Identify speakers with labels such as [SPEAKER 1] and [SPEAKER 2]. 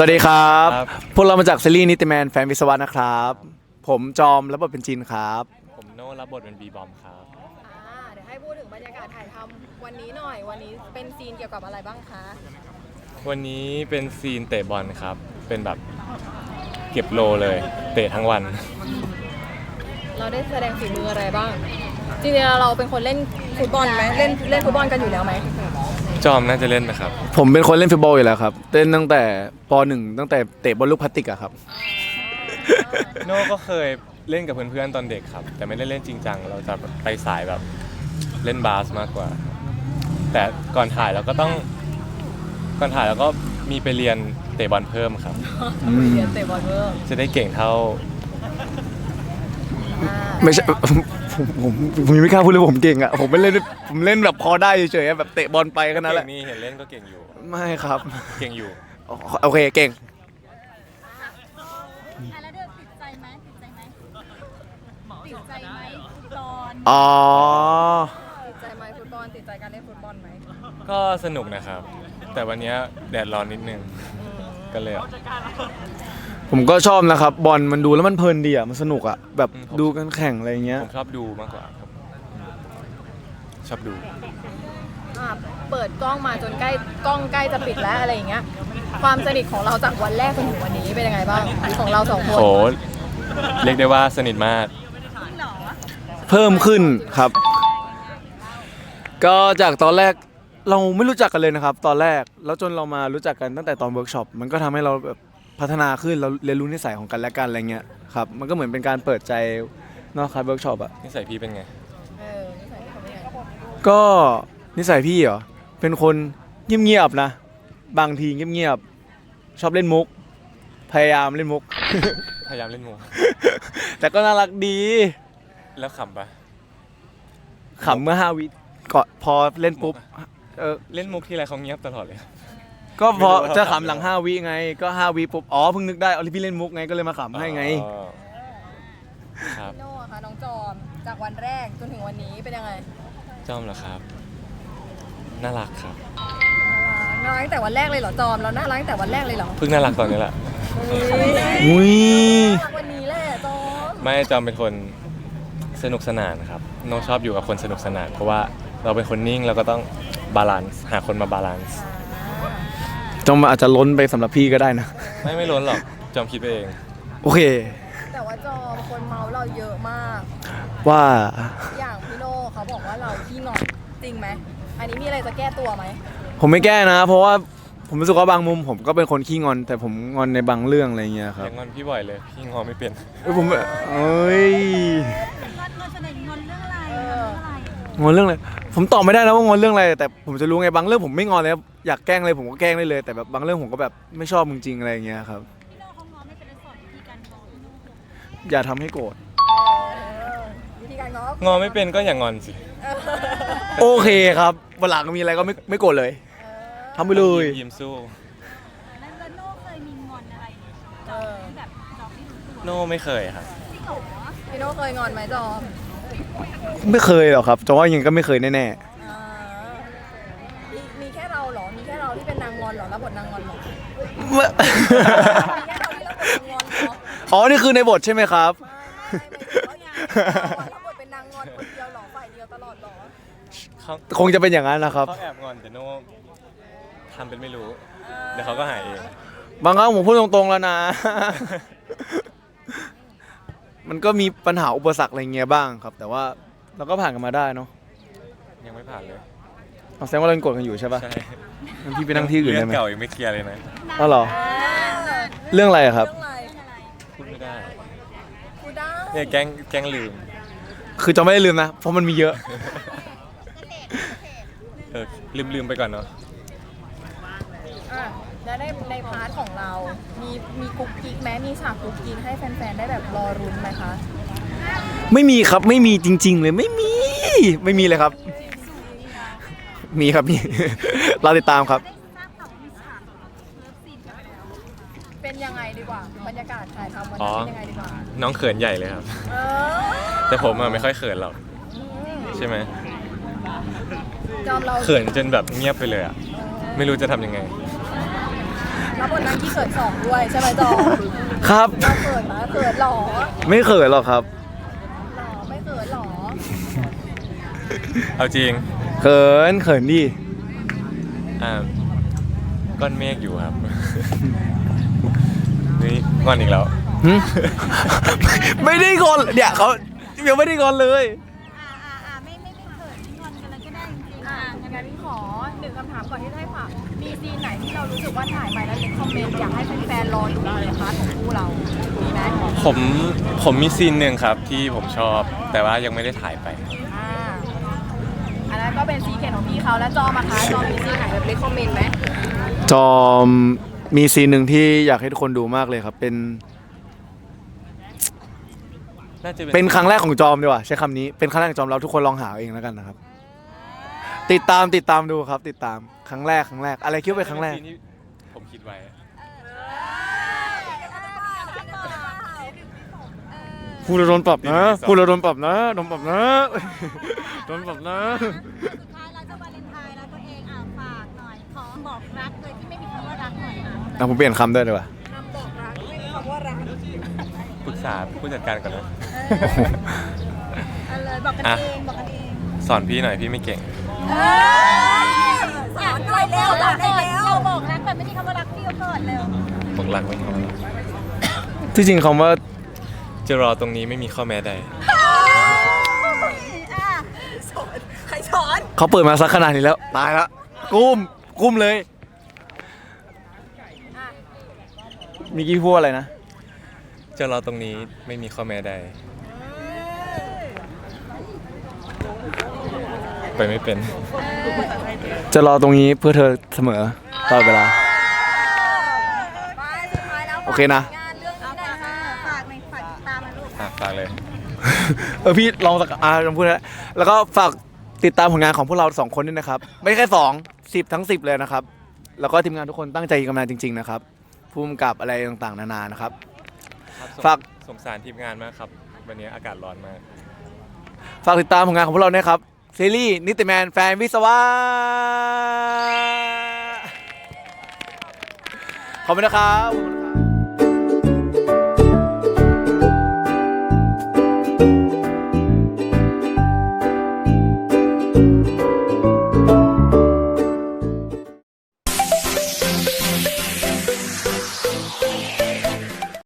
[SPEAKER 1] วัสดีครับพวกเรามาจากซีรีส์นิติแมนแฟนวิศวะนะครับผมจอมรับบทเป็นจินครับ
[SPEAKER 2] ผมโน่รับบทเป็นบีบอมครับ
[SPEAKER 3] เดี๋ยวให้พูดถึงบรรยากาศถ่ายทำวันนี้หน่อยวันนี้เป็นซีนเกี่ยวกับอะไรบ้างคะ
[SPEAKER 2] วันนี้เป็นซีนเตะบอลครับเป็นแบบเก็บโลเลยเตะทั้งวัน
[SPEAKER 3] เราได้แสดงฝีมืออะไรบ้างจริงๆเราเป็นคนเล่นฟุตบอลไหมเล่นฟุตบอลกันอยู่แล้วไหม
[SPEAKER 2] จอมน่าจะเล่นนะครับ
[SPEAKER 1] ผมเป็นคนเล่นฟุตบอลอยู่แล้วครับเล่นตั้งแต่ป .1 ตั้งแต่เตะบอลลูกพลาสติกอะครับ
[SPEAKER 2] โน่ก็เคยเล่นกับเพื่อนๆตอนเด็กครับแต่ไม่ได้เล่นจริงจังเราจะไปสายแบบเล่นบาสมากกว่าแต่ก่อนถ่ายเราก็มีไปเรียนเตะบอลเพิ่มครับ
[SPEAKER 3] เรียนเตะบอลเพิ่ม
[SPEAKER 2] จะได้เก่งเท่า
[SPEAKER 1] ไม่ใช่ผมยังไม่กล้าพูดเลยผมเก่งอะผมเล่นแบบพอได้เฉยๆแบบเตะบอลไปแค่นั้นแหละ
[SPEAKER 2] นี่เห็นเล่นก็เก่งอยู่
[SPEAKER 1] ไม่ครับ
[SPEAKER 2] เก่งอยู่
[SPEAKER 1] โอเคเก่ง
[SPEAKER 4] แล้วเดินติดใจไหมฟุตบอล
[SPEAKER 1] อ๋อ
[SPEAKER 3] ติดใจไหมฟุตบอลติดใจการเล่นฟุตบอลไหม
[SPEAKER 2] ก็สนุกนะครับแต่วันนี้แดดร้อนนิดนึงก็เลย
[SPEAKER 1] ผมก็ชอบนะครับบอลมันดูแล้วมันเพลินดีอ่ะมันสนุกอ่ะแบบดูกันแข่งอะไรเงี้ย
[SPEAKER 2] ผมชอบดูมากกว่าครับชอบดู
[SPEAKER 3] เปิดกล้องมาจนใกล้จะปิดแล้วอะไรอย่างเงี้ยความสนิทของเราจากวันแรกจนถึงวันนี้เป็นยังไงบ้างของเราสองคน
[SPEAKER 2] โหเรียกได้ว่าสนิทมาก
[SPEAKER 1] เพิ่มขึ้นครับก็จากตอนแรกเราไม่รู้จักกันเลยนะครับตอนแรกแล้วจนเรามารู้จักกันตั้งแต่ตอนเวิร์กช็อปมันก็ทำให้เราแบบพัฒนาขึ้นเราเรียนรู้นิสัยของกันและกันอะไรเงี้ยครับมันก็เหมือนเป็นการเปิดใจนอกคลาสเวิร์กช็อปอะ
[SPEAKER 2] นิสัยพี่เป็นไง
[SPEAKER 3] นิสัยพี่เขาเป็นไง
[SPEAKER 1] ก็นิสัยพี่เหรอเป็นคนเงียบๆนะบางทีเงียบๆชอบเล่นมุกพยายามเล่นมุก
[SPEAKER 2] พยายามเล่นมุก
[SPEAKER 1] แต่ก็น่ารักดี
[SPEAKER 2] แล้วขำปะ
[SPEAKER 1] ขำเมื่อ5 วิก่อนพอเล่นปุ๊บ
[SPEAKER 2] เล่นมุกที่ไรเขาเงียบตลอดเลย
[SPEAKER 1] ก็พอจะขำหลัง5 วิไงก็5 วิปุ๊บอ๋อเพิ่งนึกได้เอาที่พี่เล่นมุกไงก็เลยมาขำให้ไง
[SPEAKER 2] ครับ
[SPEAKER 3] โน่ค่ะน้องจอมจากวันแรกจนถึงวันนี้เป็นยังไง
[SPEAKER 2] จอมเหรอครับน่ารักครับ
[SPEAKER 3] น่ารักตั้งแต่วันแรกเลยเหรอจอมเราน่ารักตั้งแต่วันแรกเลยเหรอ
[SPEAKER 2] เพิ่งน่ารักตอนนี้แหละ
[SPEAKER 1] อุ้ย
[SPEAKER 3] วันนี้แหละจอม
[SPEAKER 2] ไม่จอมเป็นคนสนุกสนานครับน้องชอบอยู่กับคนสนุกสนานเพราะว่าเราเป็นคนนิ่งเราก็ต้องบาลานซ์หาคนมาบาลานซ์
[SPEAKER 1] จอมอาจจะล้นไปสำหรับพี่ก็ได้นะ
[SPEAKER 2] ไม่ล้นหรอกจอมคิดไปเอง
[SPEAKER 1] โอเค
[SPEAKER 3] แต่ว่าจอมคนเมาเราเยอะมาก
[SPEAKER 1] ว่า
[SPEAKER 3] อย่างพี่โน่เขาบอกว่าเราขี้งอนจริงไหมอันนี้มีอะไรจะแก้ตัวไหม
[SPEAKER 1] ผมไม่แก้นะเพราะว่าผมรู้สึกว่าบางมุมผมก็เป็นคนขี้งอนแต่ผมงอนในบางเรื่องอะไรเงี้ยครับ
[SPEAKER 2] งอนพี่บ่อยเลยพี่งอนไม่เป็น
[SPEAKER 1] ผมเอ้ยงอนเรื่องอะไรผมตอบไม่ได้นะว่างอนเรื่องอะไรแต่ผมจะรู้ไงบางเรื่องผมไม่งอนเลยอยากแกล้งอะไรผมก็แกล้งได้เลยแต่แบบบางเรื่องผมก็แบบไม่ชอบจริงๆอะไรเงี้ยครับอย่าทำให้โกรธ
[SPEAKER 3] วิธีการ
[SPEAKER 2] งอไม่เป็นก็อย่างอนสิ
[SPEAKER 1] โอเคครับวันหลังมีอะไรก็ไม่โกรธเลยทำไปเลย
[SPEAKER 2] ยิ้มสู้
[SPEAKER 4] แล้วโน่เคยมีงอนอะไรแบบจอมไม่รู้ตัว
[SPEAKER 2] โน่ไม่เคยครับ
[SPEAKER 3] พี่โน่เคยงอนไหมจอม
[SPEAKER 1] ไม่เคยหรอกครับจะว่ายังก็ไม่เคยแน่
[SPEAKER 3] ๆมีแค่เราเหรอมีแค่เราที่เป็นนางงอนเหรอรับบทนางงอนเหรอ
[SPEAKER 1] มีแค่เราที่รับบทนางงอนเหรออ๋อนี่คือในบทใช่ไหมครับ
[SPEAKER 3] รับบทเป็นนางงอนคนเดียวหรอฝ่ายเดียวตลอดหรอ
[SPEAKER 1] คงจะเป็นอย่างนั้นนะครับ
[SPEAKER 2] เขาแอบงอนแต่โน่ทำเป็นไม่รู้เดี๋ยวเขาก็หายเอง
[SPEAKER 1] บางครั้งผมพูดตรงๆแล้วนะมันก็มีปัญหาอุปสรรคอะไรเงี้ยบ้างครับแต่ว่าเราก็ผ่านกันมาได้เนาะ
[SPEAKER 2] ยังไม่ผ่านเลย
[SPEAKER 1] แสดงว่าเราโกรธกันอยู่ใช่ป่ะ
[SPEAKER 2] ใช่
[SPEAKER 1] งั้นพี่ไปนั่งที่อื่นได้ไหม
[SPEAKER 2] เรื่องเก่ายังไม่เคลียร์เลยนะ
[SPEAKER 1] อ๋อเหรอเรื่องอะไรครับ
[SPEAKER 2] พูดไม่ได้
[SPEAKER 3] พูดได้
[SPEAKER 2] เนี่ยแกล้งลืม
[SPEAKER 1] คือจะไม่ได้ลืมนะเพราะมันมีเยอะ
[SPEAKER 2] ลืมไปก่อนเนาะ
[SPEAKER 3] แล้วในพาร์ทของเรามีกุ๊กกิ๊กไหมมีฉากกุ๊กกิ๊กให้แฟนๆได้แบบรอรุ้นไหมคะ
[SPEAKER 1] ไม่มีครับไม่มีจริงๆเลยไม่มีเลยครับมีครับมีเราติดตามครับ
[SPEAKER 3] เป็นยังไงดีกว่าบรรยากาศถ่ายทำวันนี้เป็นยังไงดีกว่า
[SPEAKER 2] น้องเขินใหญ่เลยครับแต่ผมไม่ค่อยเขินหรอกใช่ไหม
[SPEAKER 3] จอมเรา
[SPEAKER 2] เขินจนแบบเงียบไปเลยอ่ะไม่รู้จะทำยังไง
[SPEAKER 3] รับบทนางที่เขินสองด้วยใช่ไหมจอ
[SPEAKER 1] ครับ
[SPEAKER 3] เราเขินไหมเขินหรอ
[SPEAKER 1] ไม่เขินหรอกครับ
[SPEAKER 3] หรอไม่เขินหรอ
[SPEAKER 2] เอาจริง
[SPEAKER 1] เขินดิ
[SPEAKER 2] อ่าก้อนเมฆอยู่ครับ นี่งอนอีกแล้ว
[SPEAKER 1] หึ ไม่ได้งอนเนี่ยเขายังไม่ได้งอนเลย
[SPEAKER 4] ไม่เขินไม่งอนกันเลยก็ได้จริงๆ
[SPEAKER 3] งั้นขอหนึ่งคำถามก่อนที่จะให้ฝากมีซีนไหนที่เรารู้สึกว่าถ่ายไปแล้วเล็กคอมเมนต์อยากให้แฟนๆรอดูในพาร์ทของคู่เรา มีไหม
[SPEAKER 2] ผมมีซีนหนึ่งครับที่ผมชอบ แต่ว่ายังไม่ได้ถ่ายไป
[SPEAKER 3] อ่าอันนั้นก็เป็นซีเคนของพี่เขาแล้วจอมาคะจอมีซีนไหนแบบเล็กคอมเมนต์ไหม
[SPEAKER 1] จอมมีซีนหนึ่งที่อยากให้ทุกคนดูมากเลยครับ
[SPEAKER 2] น่าจะ
[SPEAKER 1] เป็นครั้งแรกของจอมดีกว่าใช้คำนี้เป็นครั้งแรกของจอมเราทุกคนลองหาเอาเองแล้วกันนะครับ ติดตามดูครับ ติดตามครั้งแรกอะไรคิดว่าเป็นครั้งแรก
[SPEAKER 2] ซีนที่ผมคิดไว้
[SPEAKER 1] พูดแล้วโดนปรับนะพูดแล้วโดนปรับนะโดนปรับนะ โดนปรับนะ
[SPEAKER 4] สุดท้ายแล้วจะวาเลนไทน์แล้วตัวเองฝากหน่อยขอบอกรักเลยที่ไม่มีคำว่ารักหน่อยนะ
[SPEAKER 1] เอาผมเปลี่ยนคำด้วยดีกว่า
[SPEAKER 3] คำบอกรักไม่มีคำว่ารัก
[SPEAKER 2] ปรึกษาผู้จัดการก่อนนะ
[SPEAKER 4] เอาเลยบอกกันเองบอกกันเอง
[SPEAKER 2] สอนพี่หน่อยพี่ไม่เก่ง
[SPEAKER 4] อยากด้วยเร็วบอกได้แล้วบอกรักแบบไม่มีคำว่ารักพี่ก็เกิดเร็ว
[SPEAKER 2] บอกรักไม่พอ
[SPEAKER 1] ที่จริงคำว่า
[SPEAKER 2] จะรอตรงนี้ไม่มีข้อแม้ใด
[SPEAKER 3] ใครสอน
[SPEAKER 1] เขาเปิดมาสักขนาดนี้แล้วตายละกุ้มเลยมีกี้พูดอะไรนะ
[SPEAKER 2] จะรอตรงนี้ไม่มีข้อแม้ใด ไปไม่เป็น
[SPEAKER 1] จะรอตรงนี้เพื่อเธอเสมอตลอดเวลา
[SPEAKER 3] ไปสุดท้ายแล้ว
[SPEAKER 1] โอเคนะ
[SPEAKER 3] งานเรื่องนี้หน่อยค่ะ
[SPEAKER 4] ฝากในฝากติดตามนะลูก
[SPEAKER 2] ฝากเลย
[SPEAKER 1] พี่ลองสักลองพูดนะแล้วก็ฝากติดตามผลงานของพวกเราสองคนด้วยนะครับ ไม่แค่10 ทั้ง 10เลยนะครับ แล้วก็ทีมงานทุกคนตั้งใจทำงานจริง ๆนะครับภูมิกับอะไรต่างๆนานานะครับ ฝาก
[SPEAKER 2] สงสารทีมงานมากครับ วันนี้อากาศร้อนมาก
[SPEAKER 1] ฝากติดตามผลงานของพวกเราด้วยครับซีรีส์นิติแมนแฟนวิศวะขอบคุณนะครับ